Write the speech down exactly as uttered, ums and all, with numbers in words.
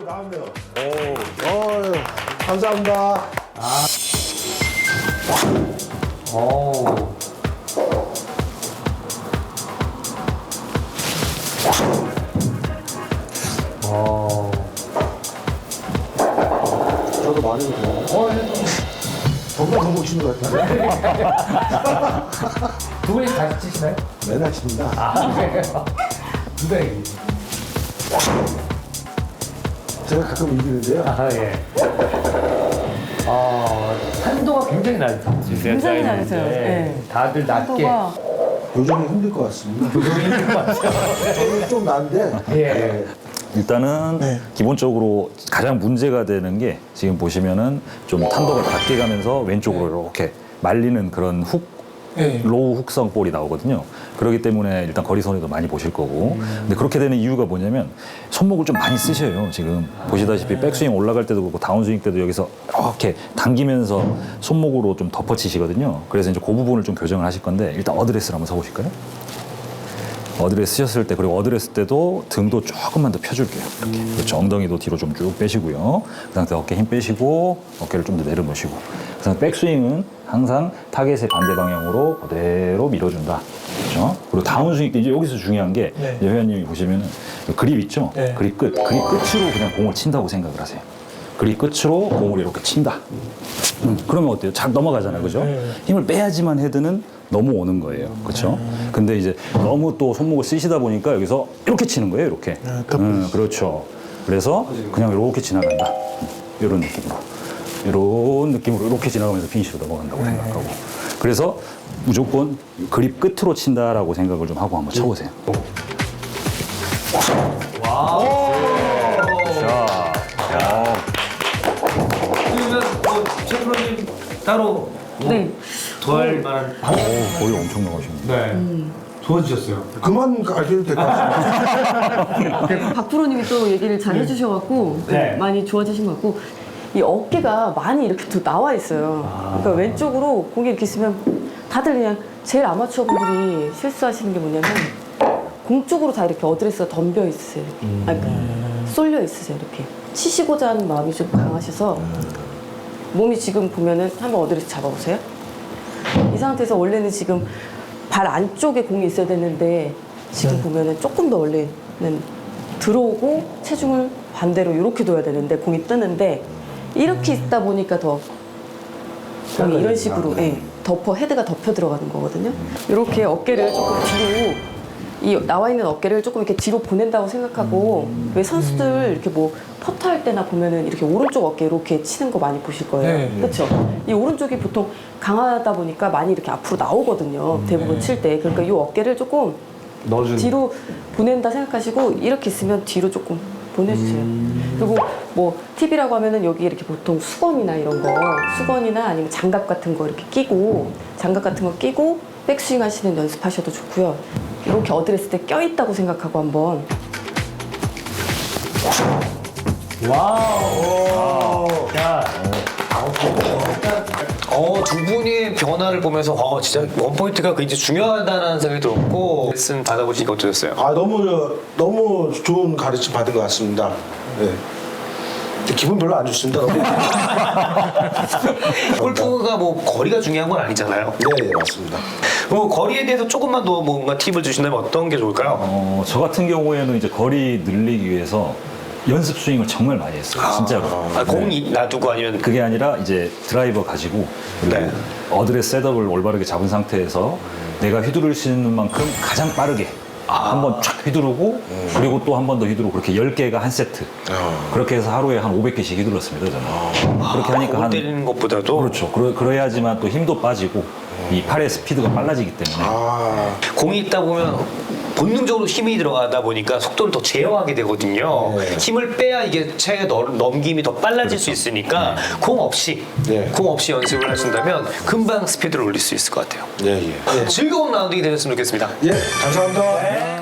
나왔네요. 오, 어, 감사합니다. 아. 오. 오. 저도 많이 먹어요. 어, 정말 더 먹으시는 것 같아요. 두 분이 같이 치시나요? 맨날 칩니다. 아, 그래요? 누가 이기? 제가 가끔 이기는데요. 아, 예. 아, 한도가 굉장히 낮으세요. 굉장히 낮으세요. 네. 다들 낮게. 한도가 요즘은 힘들 것 같습니다. 저는 좀 난데. 예. 일단은 네. 기본적으로 가장 문제가 되는 게 지금 보시면은 좀 탄도가 낮게 가면서 왼쪽으로 이렇게 말리는 그런 훅, 네. 로우 훅성 볼이 나오거든요. 그렇기 때문에 일단 거리 손해도 많이 보실 거고. 근데 그렇게 되는 이유가 뭐냐면 손목을 좀 많이 쓰셔요. 지금 보시다시피 백스윙 올라갈 때도 그렇고 다운스윙 때도 여기서 이렇게 당기면서 손목으로 좀 덮어치시거든요. 그래서 이제 그 부분을 좀 교정을 하실 건데 일단 어드레스를 한번 서보실까요? 어드레스 쓰셨을 때 그리고 어드레스 때도 등도 조금만 더 펴줄게요. 이렇게. 그렇죠. 엉덩이도 뒤로 좀 쭉 빼시고요. 그 상태 어깨 힘 빼시고 어깨를 좀 더 내려놓으시고 그 상태 백스윙은 항상 타겟의 반대 방향으로 그대로 밀어준다. 그렇죠. 그리고 다운스윙 때 이제 여기서 중요한 게 네. 이제 회원님이 보시면은 그립 있죠. 네. 그립 끝, 그립 끝으로 그냥 공을 친다고 생각을 하세요. 그립 끝으로 공을 이렇게 친다. 음, 그러면 어때요? 잘 넘어가잖아요, 그죠? 네. 힘을 빼야지만 헤드는 넘어오는 거예요, 그렇죠? 근데 이제 너무 또 손목을 쓰시다 보니까 여기서 이렇게 치는 거예요, 이렇게. 음, 그렇죠. 그래서 그냥 이렇게 지나간다. 이런 느낌으로, 이런 느낌으로 이렇게 지나가면서 피니시로 넘어간다고 생각하고. 그래서 무조건 그립 끝으로 친다라고 생각을 좀 하고 한번 쳐보세요. 자, 자. 그러면 뭐 최프로님 따로 뭐 네. 더할 만한 오, 거의 엄청 나가시는데. 네. 도와주셨어요. 그만 가셔도 될 것 같습니다. 박 프로님이 또 얘기를 잘 해주셔갖고 네. 많이 좋아지신 것 같고 이 어깨가 많이 이렇게 또 나와 있어요. 그러니까 왼쪽으로 공이 이렇게 있으면 다들 그냥 제일 아마추어 분들이 실수하시는 게 뭐냐면 공 쪽으로 다 이렇게 어드레스가 덤벼 있으세요. 음. 아니, 그러니까 쏠려 있으세요. 이렇게 치시고자 하는 마음이 좀 강하셔서 몸이 지금 보면은 한번 어드레스 잡아보세요. 이 상태에서 원래는 지금 발 안쪽에 공이 있어야 되는데 지금 네. 보면은 조금 더 원래는 들어오고 체중을 반대로 이렇게 둬야 되는데 공이 뜨는데 이렇게 있다 보니까 더 공이 이런 식으로 예, 덮어 헤드가 덮여 들어가는 거거든요. 이렇게 어깨를 조금 뒤로 이 나와 있는 어깨를 조금 이렇게 뒤로 보낸다고 생각하고 왜 선수들 이렇게 뭐 퍼터 할 때나 보면은 이렇게 오른쪽 어깨 이렇게 치는 거 많이 보실 거예요. 네. 그렇죠? 이 오른쪽이 보통 강하다 보니까 많이 이렇게 앞으로 나오거든요. 대부분 칠 때. 그러니까 이 어깨를 조금 넣어주는. 뒤로 보낸다 생각하시고 이렇게 있으면 뒤로 조금 보내주세요. 그리고 뭐 팁이라고 하면은 여기 이렇게 보통 수건이나 이런 거 수건이나 아니면 장갑 같은 거 이렇게 끼고 장갑 같은 거 끼고 백스윙 하시는 연습하셔도 좋고요. 이렇게 어드레스 때 껴있다고 생각하고 한번 와우. 야. 어, 두 분의 변화를 보면서 어, 진짜 원포인트가 굉장히 중요하다는 생각이 들었고 레슨 받아보시니까 어떠셨어요? 아, 너무, 너무 좋은 가르침 받은 것 같습니다. 네. 근데 기분 별로 안 좋습니다. 너무. 골프가 뭐 거리가 중요한 건 아니잖아요. 네, 네, 맞습니다. 뭐 거리에 대해서 조금만 더 뭔가 팁을 주신다면 어떤 게 좋을까요? 어, 저 같은 경우에는 이제 거리 늘리기 위해서 연습 스윙을 정말 많이 했어요. 진짜로. 아, 공이 놔두고 아니면 그게 아니라 이제 드라이버 가지고 그리고 네. 어드레스 셋업을 올바르게 잡은 상태에서 내가 휘두를 수 있는 만큼 가장 빠르게 한번 쫙 휘두르고 그리고 또 한 번 더 휘두르고 그렇게 열 개가 한 세트. 그렇게 해서 하루에 한 오백 개씩 휘둘렀습니다. 저는. 그렇게 하니까 공 한 때리는 것보다도 그렇죠. 그러, 그래야지만 또 힘도 빠지고 이 팔의 스피드가 빨라지기 때문에 아, 공이 있다 보면 본능적으로 힘이 들어가다 보니까 속도를 더 제어하게 되거든요. 네. 힘을 빼야 이게 채에 넣- 넘김이 더 빨라질 수 있으니까 공 없이 네. 공 없이 연습을 하신다면 금방 스피드를 올릴 수 있을 것 같아요. 예, 예. 즐거운 라운딩이 되셨으면 좋겠습니다. 예, 감사합니다.